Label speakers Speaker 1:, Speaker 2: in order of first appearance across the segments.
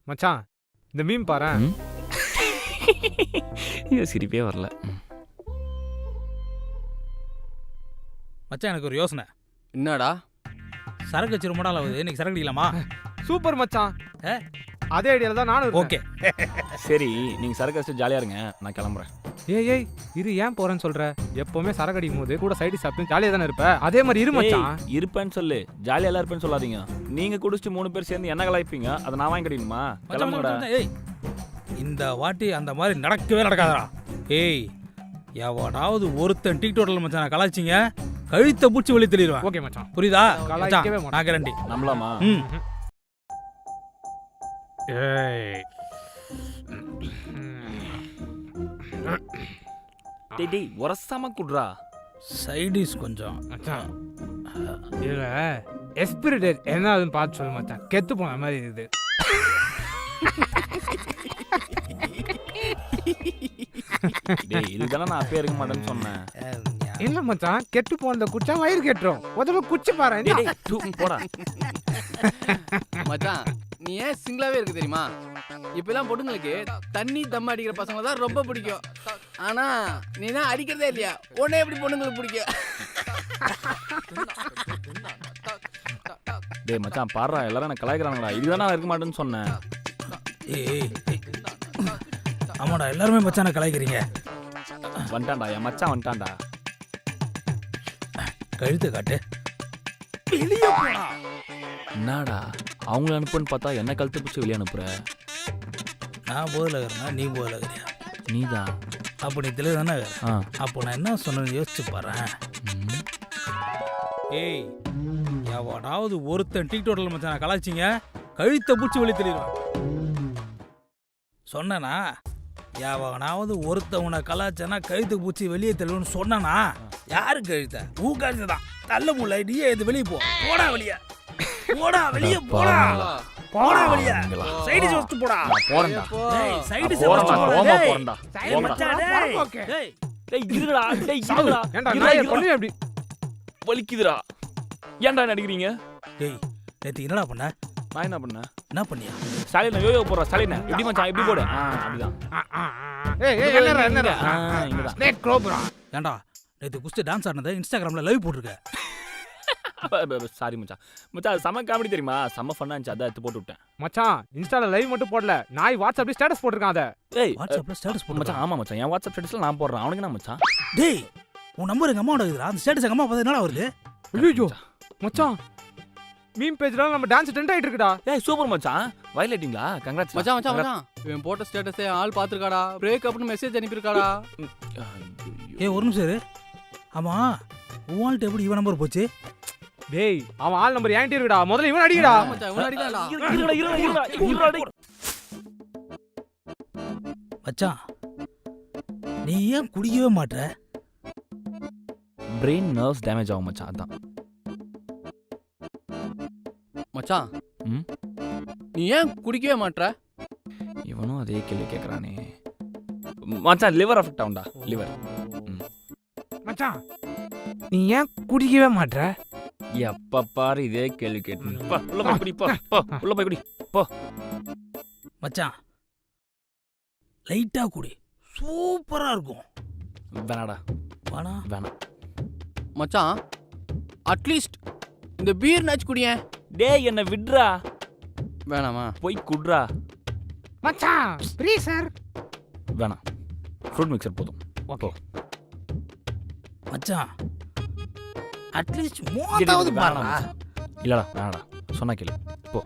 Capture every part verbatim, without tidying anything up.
Speaker 1: மச்சான் இந்த மீம் பாறேன்.
Speaker 2: இது சிரிப்பே வரல.
Speaker 3: மச்சான் எனக்கு ஒரு யோசனை.
Speaker 4: என்னடா?
Speaker 3: சரக்கு வச்சு ரொம்ப நாள் ஆகுது, இன்னைக்கு சரக்கு அடிக்கலாமா?
Speaker 1: சூப்பர் மச்சான், அதே ஐடியால தான் நானும்.
Speaker 3: ஓகே
Speaker 2: சரி, நீங்க சரக்கு வச்சு ஜாலியா இருங்க, நான் கிளம்புறேன்.
Speaker 1: ஏய் ஏய் இது ஏன் போறேன்னு சொல்ற? எப்பவுமே சரக்கு அடிக்கும் போது கூட சைடு சாப்பிட்டு ஜாலியா தானே இருப்ப, அதே மாதிரி இரு மச்சான்.
Speaker 2: இருப்பேன்னு சொல்லு, ஜாலியா எல்லாம் இருப்பேன்னு சொல்லாதீங்க. நீங்க குடிச்சிட்டு மூணு பேர் சேர்ந்து என்ன கலாய்ப்பீங்க, அதை நான் வாங்கி கடிக்கணுமா? கிளம்புடா.
Speaker 3: ஏய் இந்த வாட்டி அந்த மாதிரி நடக்கவே நடக்காதடா. ஏய் எவனாவது ஒருத்தன் டிக்டாக்ல மச்சான் கலாய்ச்சிங்க, கழுத்தை பூச்சி வெளியே தெளிடுவான்.
Speaker 1: ஓகே மச்சான்,
Speaker 3: புரியுதா?
Speaker 1: கலாய்க்கவே மாட்டேன்.
Speaker 3: நான் கேரண்டி.
Speaker 2: நம்பலாமா?
Speaker 3: ம்
Speaker 1: ஏய்
Speaker 2: டேய் டேய் உரசாம குடுறா.
Speaker 3: சைடிஸ் கொஞ்சம்
Speaker 1: மச்சான். இதுல எக்ஸ்பிரி டேட் என்ன ஆகுதுன்னு பார்த்து சொல்லு மச்சான், கெத்து போன மாதிரி இருக்குது.
Speaker 2: டேய் இதுதானே நான் அப்பயே இருக்க மாட்டேன்னு சொன்னேன்.
Speaker 1: இல்ல மச்சான், கெட்டு போனத குச்சா வயிறு கெட்டுரும். முதல்ல குச்சி பாரு.
Speaker 2: டேய் தூ போடா.
Speaker 4: மச்சான் நீ ஏன் சிங்கிளாவே இருக்கு தெரியுமா? இப்பெல்லாம் பொண்ணுங்களுக்கு தண்ணி தம் அடிக்கிற பசங்க தான் ரொம்ப பிடிக்கும். ஆனா நீ தான் அடிக்கிறதே இல்லையா, உடனே எப்படி பொண்ணுங்களுக்கு பிடிக்கும்?
Speaker 2: டேய் மச்சான் பாடுறா, எல்லாரும் என்ன கலாய்க்கிறாங்கடா. இதுதானே நான் இருக்க மாட்டேன்னு சொன்னேன்.
Speaker 3: ஏய் ஆமாடா, எல்லாருமே மச்சான கலாய்க்கிறீங்க.
Speaker 2: வந்துட்டான்டா என் மச்சான், வந்துட்டான்டா.
Speaker 3: கழுத்தை காட்டு. வெளியே போடா.
Speaker 2: என்னடா அவங்கள அனுப்புன்னு பார்த்தா என்ன கழுத்து பிடிச்சி வெளியே அனுப்புற?
Speaker 3: நான் போதில் இருக்கிறேன்னா நீ போதில் இருக்கிறியா?
Speaker 2: நீதான்.
Speaker 3: அப்போ நீ தெளிவு தானே?
Speaker 2: ஆ
Speaker 3: அப்போ நான் என்ன சொன்னேன்னு யோசிச்சு பாறேன். ஏய் எவனாவது ஒருத்தன் டிக்டாக்ல மச்சான் கலாய்ச்சிங்க, கழுத்தை பூச்சி வெளியே தெளிடுவான். சொன்னனா? எவனாவது ஒருத்தன் உன்னை கலாய்ச்சனா கழுத்து பூச்சி வெளியே தெளிவுன்னு சொன்னனா? யாரு கழுத்த? ஊ கழுத்து தான். நல்ல முல்லை, நீயே இது வெளியே போ. போடா வெளியே, போடா வெளியே, போடா போடா வெளியே. சைடு வச்சு போடா.
Speaker 2: போறேன்டா.
Speaker 3: டேய் சைடு வச்சு
Speaker 2: போறேன்டா.
Speaker 3: போடா.
Speaker 2: ஓமா
Speaker 3: டேய்
Speaker 2: போறேன்டா.
Speaker 3: டேய் மச்சான் டேய்.
Speaker 1: ஓகே
Speaker 3: டேய்
Speaker 2: டேய் இருடா. டேய் இருடா.
Speaker 1: ஏன்டா நான் பண்ணி அப்படி
Speaker 2: வலிக்குதுடா. ஏன்டா நடிக்கிறீங்க?
Speaker 3: டேய் நேத்து என்னடா பண்ண?
Speaker 2: நான் என்ன பண்ணேன்?
Speaker 3: என்ன பண்ணியா?
Speaker 2: ஸ்டாலின் யோயோ போடுறா. ஸ்டாலின் எப்படி மச்சான் எப்படி போடு? ஆ அப்படிதான்.
Speaker 1: ஏய் ஏய் என்னடா என்னடா
Speaker 2: ஆ இங்கதான்.
Speaker 1: Snake cobra.
Speaker 3: ஏண்டா நேத்து குஸ்தி டான்ஸ் ஆடுனதை இன்ஸ்டாகிராம்ல லைவ் போட்டுருக்க.
Speaker 2: சாரி மச்சான். மச்சான் செம காமெடி தெரியுமா? செம ஃபன்னா இருந்துச்சு, அதான் எடுத்து போட்டு விட்டேன்.
Speaker 1: மச்சான் இன்ஸ்டால லைவ் மட்டும் போடல, நாய் வாட்ஸ்அப்ல ஸ்டேட்டஸ் போட்டுருக்கான். அத
Speaker 2: ஏய்
Speaker 3: வாட்ஸ்அப்ல ஸ்டேட்டஸ் போட்டு
Speaker 2: மச்சான். ஆமா மச்சான், என் வாட்ஸ்அப் ஸ்டேட்டஸ்ல நான் போடுறேன். அவனுக்கு என்ன மச்சான்?
Speaker 3: டேய் உன் நம்பர் எங்க அம்மாவோட இருக்குடா. அந்த ஸ்டேட்டஸ் எங்க அம்மா பார்த்தா என்னடா வருது?
Speaker 1: ஐயோ மச்சான், மீம் பேஜ்ல நம்ம டான்ஸ் ட்ரெண்ட் ஆயிட்டு இருக்குடா.
Speaker 2: ஏய் சூப்பர் மச்சான், வயலேட்டிங்களா? கங்க்ராட்ஸ்
Speaker 4: மச்சான் மச்சான் மச்சான் இவன் போட்ட ஸ்டேட்டஸே ஆள் பாத்துருக்காடா. Break அப்னு message அனுப்பியிருக்காடா.
Speaker 3: ஏய் ஒரு நிமிஷம் இரு. ஆமா உன் ஆள்கிட்ட எப்படி இவன் நம்பர் போச்சு?
Speaker 1: டேய் அவன் ஆள் நம்பர் என்கிட்ட இருக்குடா, முதல்ல இவன் அடிக்கடா.
Speaker 4: மச்சான் இவன் அடிக்கலாம்டா.
Speaker 2: இருடா இருடா இருடா இருடா.
Speaker 3: மச்சான் நீ ஏன் குடிக்கவே மாட்ற?
Speaker 2: பிரெயின் நர்வ்ஸ் டேமேஜ் ஆகும் மச்சான், அதான்.
Speaker 4: மச்சான்
Speaker 2: ம்
Speaker 4: நீ ஏன் குடிக்கவே மாட்ற?
Speaker 2: இவனும் அதே கேள்வி கேட்குறானே மச்சான். லிவர் அஃபெக்ட் ஆகும்டா, லிவர்.
Speaker 1: மச்சான் நீ ஏன் குடிக்கவே மாட்ற?
Speaker 2: எப்ப பாரு இதே கேள்வி கேட்டு உள்ள போய் குடி. போ போ உள்ள போய் குடி போ.
Speaker 3: மச்சான் லைட்டா குடி, சூப்பரா இருக்கும்.
Speaker 2: வேணாடா
Speaker 3: வாடா.
Speaker 2: வேணாம்
Speaker 4: மச்சான் அட்லீஸ்ட் இந்த பீர் நாச்சு குடியேன்.
Speaker 2: டேய் என்ன விட்றா.
Speaker 4: வேணாமா?
Speaker 2: போய் குட்றா.
Speaker 1: மச்சான் ப்ளீஸ் சார்.
Speaker 2: வேணாம், ஃப்ரூட் மிக்சர் போதும்.
Speaker 1: ஓகே
Speaker 3: மச்சான் அட்லீஸ்ட் மூணாவது பாருடா.
Speaker 2: இல்லடா வேணாடா, சொன்னா கேளு போ.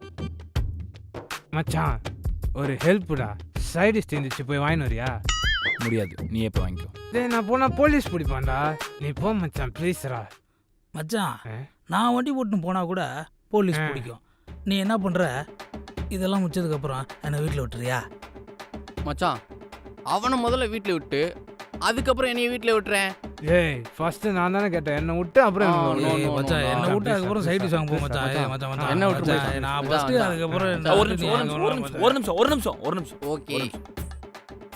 Speaker 1: மச்சான் ஒரு ஹெல்ப்டா, சைடிஸ் தீந்துச்சு, போய் வாங்கிட்டு வரியா?
Speaker 2: முடியாது, நீயே போய் வாங்கிக்கோ.
Speaker 1: டேய் நான் போனா போலீஸ் பிடிப்பான்டா, நீ போ மச்சான் ப்ளீஸ்ரா.
Speaker 3: மச்சான் நான் வண்டி போட்டு போனா கூட போலீஸ் பிடிக்கும். நீ என்ன பண்ற? இதெல்லாம் முடிச்சதுக்கு அப்புறம் என்ன வீட்டில் விட்டுறியா?
Speaker 4: மச்சான் அவனை முதல்ல வீட்டில் விட்டு அதுக்கப்புறம் என்னைய வீட்டில் விட்டுறேன்.
Speaker 1: ஏய் ஃபர்ஸ்ட் நான் தானே கேட்டேன், என்ன விட்டு அப்புறம்
Speaker 4: ஆ, no, no,
Speaker 3: மச்சான்
Speaker 4: no,
Speaker 3: என்ன
Speaker 4: no,
Speaker 3: விட்டு அதுக்கப்புறம் சைடு சாங் போ மச்சான். ஏய் மச்சான் மச்சான்
Speaker 4: என்ன விட்டு
Speaker 3: மச்சான், நான் ஃபர்ஸ்ட் அதுக்கப்புறம்
Speaker 2: ஒரு நிமிஷம் ஒரு நிமிஷம் ஒரு நிமிஷம் ஒரு நிமிஷம் ஒரு நிமிஷம் ஒரு நிமிஷம்
Speaker 4: ஓகே